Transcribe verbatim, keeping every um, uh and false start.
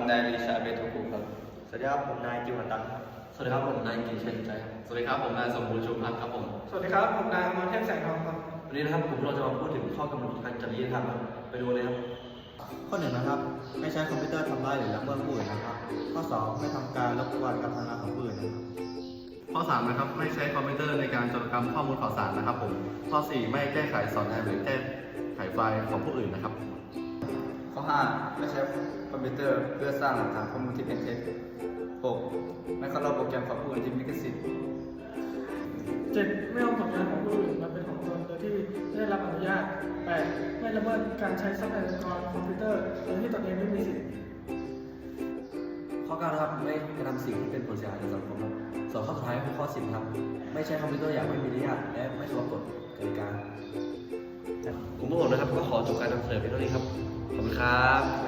นายลิชาเบทุกุครับสวัสดีครับผมนายจิวันตันครับสวัสดีครับผมนายกิจเชนใจครับสวัสดีครับผมนายสมบูรณ์ชุมพัฒน์ครับผมสวัสดีครับผมนายอมรเทพแสงทองครับวันนี้นะครับผมเราจะมาพูดถึงข้อกำหนดการจริยธรรมครับไปดูเลยครับข้อหนึ่งนะครับไม่ใช้คอมพิวเตอร์ทำร้ายหรือละเมิดผู้อื่นนะครับข้อสองไม่ทำการรบกวนการทำงานของผู้อื่นนะครับข้อสามนะครับไม่ใช้คอมพิวเตอร์ในการโจรกรรมข้อมูลข่าวสารนะครับผมข้อสี่ไม่แก้ไขสอนแนมหรือแก้ไขไฟล์ของผู้อื่นนะครับข้อห้าไม่ใช้คอมพิวเตอร์เพื่อสร้างหลักฐานข้อมูลที่เป็นเท็จหกไม่เคารพโปรแกรมของผู้อื่นที่มีลิขสิทธิ์เจ็ดไม่เอาผลงานของผู้อื่นมาเป็นของตนโดยที่ไม่ได้รับอนุญาตแปดไม่ละเมิดการใช้ทรัพยากรคอมพิวเตอร์โดยที่ตนเองไม่มีสิทธิ์ข้อเก้านะครับไม่กระทำสิ่งที่เป็นผลเสียหายต่อสังคมครับส่วนข้อสุดท้ายคือข้อสิบครับไม่ใช้คอมพิวเตอร์อย่างไม่มีอนุญาตและไม่เคารพกฎกติกาผมพวกผมนะครับก็ขอจบการนำเสนอเพียงเท่านี้ครับขอบคุณครับ